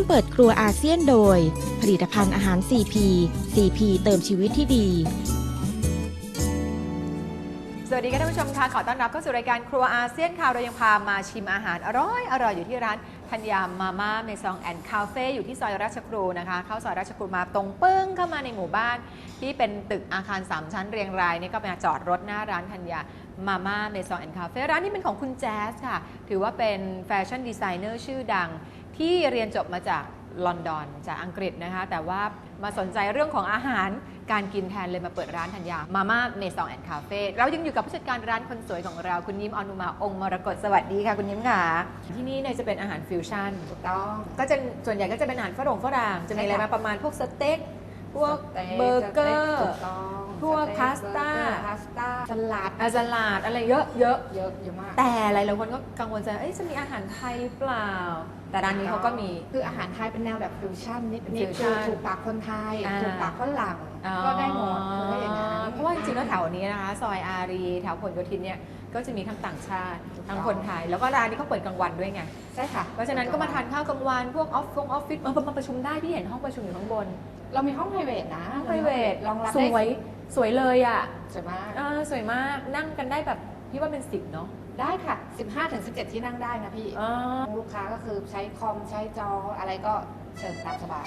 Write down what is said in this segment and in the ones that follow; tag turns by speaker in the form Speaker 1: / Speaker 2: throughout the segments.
Speaker 1: เปิดครัวอาเซียนโดยผลิตภัณฑ์อาหาร CP CP เติมชีวิตที่ดี
Speaker 2: สวัสดีค่ะท่านผู้ชมค่ะขอต้อนรับเข้าสู่รายการครัวอาเซียนค่ะเรายังพามาชิมอาหารอร่อยอยู่ที่ร้านธัญญามาม่าเมซองแอนด์คาเฟ่อยู่ที่ซอยราชครูนะคะเข้าซอยราชครูมาตรงปึ้งเข้ามาในหมู่บ้านที่เป็นตึกอาคาร3ชั้นเรียงรายนี่ก็มาจอดรถหน้าร้านธัญญามาม่าเมซองแอนด์คาเฟ่ร้านนี้เป็นของคุณแจ๊สค่ะถือว่าเป็นแฟชั่นดีไซเนอร์ชื่อดังที่เรียนจบมาจากลอนดอนจากอังกฤษนะคะแต่ว่ามาสนใจเรื่องของอาหารการกินแทนเลยมาเปิดร้านธัญญามาม่าเมซองแอนด์คาเฟ่เรายังอยู่กับผู้จัดการร้านคนสวยของเราคุณยิ้มอนุมาองค์มรกตสวัสดีค่ะคุณยิ้มค่ะที่นี่เนี่ยจะเป็นอาหารฟิวชั่น
Speaker 3: ถูกต้อง
Speaker 2: ก็จะส่วนใหญ่ก็จะเป็นอาหารฝรั่งจะมีอะไรมาประมาณพวกสเต็กพวกเบอร์เกอร์พวกพาสต้า
Speaker 3: สลัด
Speaker 2: อะไรเยอะ
Speaker 3: มาก
Speaker 2: แต่หลายๆคนก็กังวลใจจะมีอาหารไทยเปล่าแต่ร้านนี้เขาก็มี
Speaker 3: คืออาหารไทยเป็นแนวแบบฟิวชั่นนิดถูกปากคนไทยถูกปากฝรั่งก็ได้หมดคืออย่างนั้น
Speaker 2: เพราะว่าจริงๆแล้วแถวนี้นะคะซอยอารีแถวผลโยธินเนี่ยก็จะมีทั้งต่างชาติทั้งคนไทยแล้วก็ร้านนี้เขาเปิดกลางวันด้วยไง
Speaker 3: ใช่ค่ะ
Speaker 2: เพราะฉะนั้นก็มาทานข้าวกลางวันพวกออฟฟิศมาประชุมได้ที่เห็นห้องประชุมอยู่ข้างบน
Speaker 3: เรามีห้องไพรเวทนะ
Speaker 2: ห้องไพรเวท
Speaker 3: รองรับ
Speaker 2: สวยเลยอ่ะ
Speaker 3: สวยมาก
Speaker 2: สวยมากนั่งกันได้แบบพี่ว่าเป็น10เนาะ
Speaker 3: ได้ค่ะ 15-17 ที่นั่งได้นะพี่ลูกค้าก็คือใช้คอมใช้จออะไรก็เชิญตามสบาย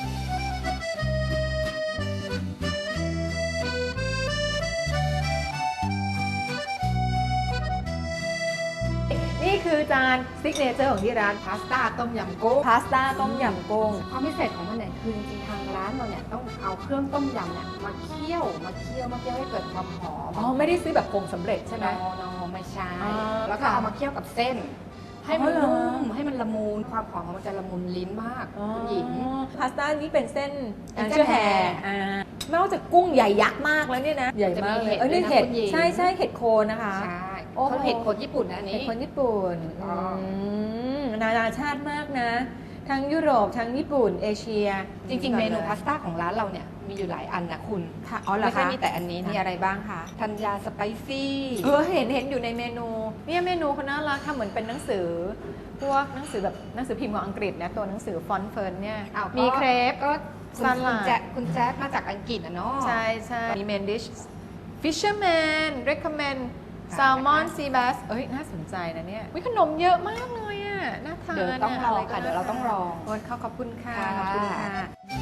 Speaker 2: นี่คือจานซิกเนเจอร์ของที่ร้าน
Speaker 3: พาสต้าต้มยำกุ้ง
Speaker 2: ความ
Speaker 3: พิเศษของมันเนี่ยคือจริงๆทางร้านเราเนี่ยต้องเอาเครื่องต้มยำเนี่ยมาเคี่ยวให้เกิดความหอม
Speaker 2: ไม่ได้ซื้อแบบผงสำเร็จใช่ไหม
Speaker 3: ไม่ใช่แล้วก็เอามาเคี่ยวกับเส้นให้มันนุ่มให้มันละมุนความหอมของมันจะละมุนลิ้นมากคุณหญิง
Speaker 2: พาสต้านี้เป็นเส้นเชื่อแห่นอกจากกุ้งใหญ่ยักษ์มากแล้วเนี่ยนะใหญ่มากเลยนี่เห็ดใช่เห็ดโคนนะคะ
Speaker 3: ใช่เขาเห็ดโคนญี่ปุ่นนะอันนี้
Speaker 2: เห็ดโคนญี่ปุ่นนานาชาติมากนะทั้งยุโรปทั้งญี่ปุ่นเอเชีย
Speaker 3: จริงๆเมนูพาสต้าของร้านเราเนี่ยมีอยู่หลายอันนะคุณไม่ใช่มีแต่อันนี้
Speaker 2: มีอะไรบ้างคะ
Speaker 3: ธัญญาสไปซี่
Speaker 2: เห็นอยู่ในเมนูเนี่ยเมนูเขาน่ารักทำเหมือนเป็นหนังสือพวกหนังสือแบบหนังสือพิมพ์ของอังกฤษนะตัวหนังสือฟอนต์เฟิร์นเนี่ยมีเครป
Speaker 3: ก็คุณแจ๊คมาจากอังกฤษนะเนาะ
Speaker 2: ใช่มีเมนดิชฟิชเชอร์แมนเรคคอมเมนแซลมอนซีบัสน่าสนใจนะเนี่ยขนมเยอะมากเลยอ่ะน่าทาน
Speaker 3: เดี๋ยวต้องรอค่ะเดี๋ยวเราต้องรอ
Speaker 2: ขอบคุณค่ะขอบคุณค่ะ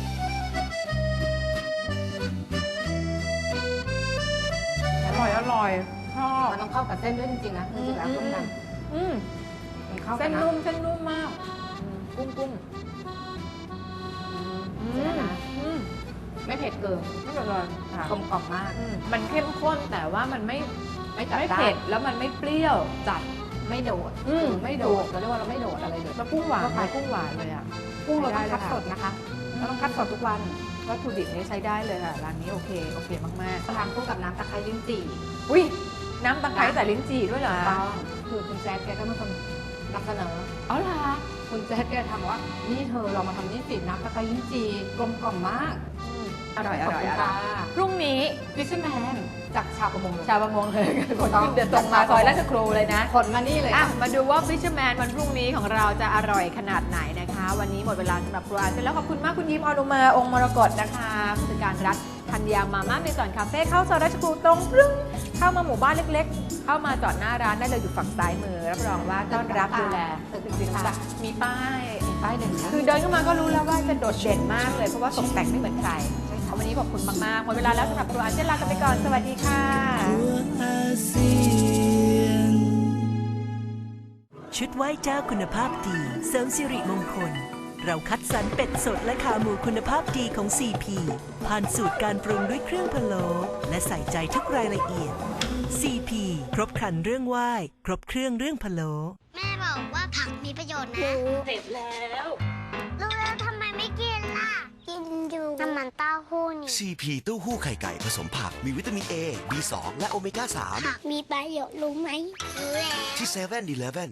Speaker 2: อร่อยชอบ
Speaker 3: มันต้องเข้ากับเส้นด้วยจริงๆนะจริงๆแล้วต้มยำ
Speaker 2: เส้นนุ่มมากกุ้ง
Speaker 3: ไม่เผ็ดเกิน
Speaker 2: ไม่เป็นไร
Speaker 3: กลมกล่อมมาก
Speaker 2: มันเข้มข้นแต่ว่ามันไม่เผ็ดแล้วมันไม่เปรี้ยวจัด
Speaker 3: ไม่โดดเราเรียกว่าเราไม่โดดอะไรเลย
Speaker 2: แล้วกุ้งหวานเลยอ่ะ
Speaker 3: กุ้งเราต้องคัดสดนะคะเราต้องคัดสดทุกวัน
Speaker 2: วัตถุดิบนี้ใช้ได้เลยค่ะร้านนี้โอเคมาก
Speaker 3: ๆทานคู่กับน้ำตะไคร้ลิ้นจี่
Speaker 2: น้ำตะไคร้แต่ลิ้นจี่ด้วยเหรอ
Speaker 3: คือคุณแจ๊คแกก็เป็นคนนำเสนอ
Speaker 2: เหรอ
Speaker 3: คุณแจ๊คแกทำว่านี่เธอเรามาทำนี่สิน้ำตะไคร้ลิ้นจี่กลมกล่อมมาก
Speaker 2: อร่อยพรุ่งนี้
Speaker 3: ฟิชเชอร์แมนจากชาวประมง
Speaker 2: เลยเดี๋ยวตรงมาซอยราชครูเลยนะ
Speaker 3: คนมานี่เลย
Speaker 2: มาดูว่าฟิชเชอร์แมนวันพรุ่งนี้ของเราจะอร่อยขนาดไหนนะคะวันนี้หมดเวลาสำหรับครัวเสร็จแล้วขอบคุณมากคุณยิ้มอนุมาองค์มรกตนะคะผู้จัดการร้านธัญญามาม่าเมซอนคาเฟ่เข้าซอยราชครูตรงเข้ามาหมู่บ้านเล็กๆเข้ามาจอดหน้าร้านได้เลยอยู่ฝั่งซ้ายมือรับรองว่าต้อนรับดูแลมีป้ายหนึ่งคือเดินเข้ามาก็รู้แล้วว่าจะโดดเด่นมากเลยเพราะว่าตกแต่งไม่เหมือนใครวันนี้ขอบคุณมากๆหมดเวลาแล้วสำหรับครัวอาเซียนลากันไปก่อนสวัสดีค่ะ
Speaker 4: ชุดไหว้เจ้าคุณภาพดีเสริมสิริมงคลเราคัดสรรเป็ดสดและขาหมูคุณภาพดีของ CP ผ่านสูตรการปรุงด้วยเครื่องพะโล้และใส่ใจทุกรายละเอียด CP ครบครันเรื่องไหว้ครบเครื่องเรื่องพะโล้
Speaker 5: แม่บอกว่าผักมีประโยชน์นะ
Speaker 2: เสร็จแล้ว
Speaker 5: รู้แล้วทำไมไม่กินล่ะกินอยู่น้ำมันเต้าหู้นี่
Speaker 6: CP เต้าหู้ไข่ไก่ผสมผักมีวิตามิน A B2 และโอเมก้า 3
Speaker 5: ผักมีประโยชน์รู้ไหมรู้แล้ว
Speaker 6: ที่7-Eleven